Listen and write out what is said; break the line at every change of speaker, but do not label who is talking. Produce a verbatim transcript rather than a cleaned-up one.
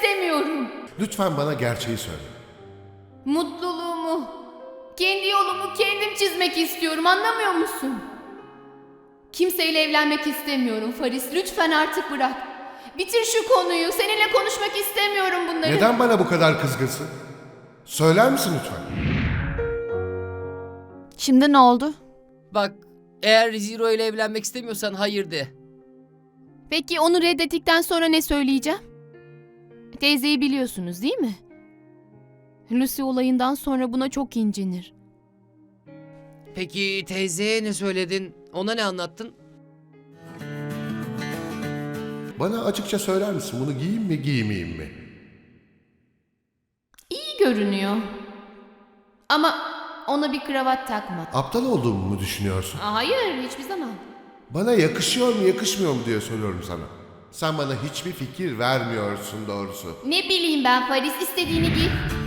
istemiyorum.
Lütfen bana gerçeği söyle.
Mutluluğumu, kendi yolumu kendim çizmek istiyorum, anlamıyor musun? Kimseyle evlenmek istemiyorum Faris, lütfen artık bırak. Bitir şu konuyu, seninle konuşmak istemiyorum bunları.
Neden bana bu kadar kızgınsın? Söyler misin lütfen?
Şimdi ne oldu?
Bak, eğer Zero ile evlenmek istemiyorsan hayır de.
Peki onu reddettikten sonra ne söyleyeceğim? Teyzeyi biliyorsunuz değil mi? Lucy olayından sonra buna çok incinir.
Peki teyzeye ne söyledin? Ona ne anlattın?
Bana açıkça söyler misin? Bunu giyeyim mi giymeyeyim mi?
İyi görünüyor. Ama ona bir kravat takma.
Aptal olduğumu mu düşünüyorsun?
Aa, hayır, hiçbir zaman.
Bana yakışıyor mu yakışmıyor mu diye soruyorum sana. Sen bana hiçbir fikir vermiyorsun doğrusu.
Ne bileyim ben Faris, istediğini giy.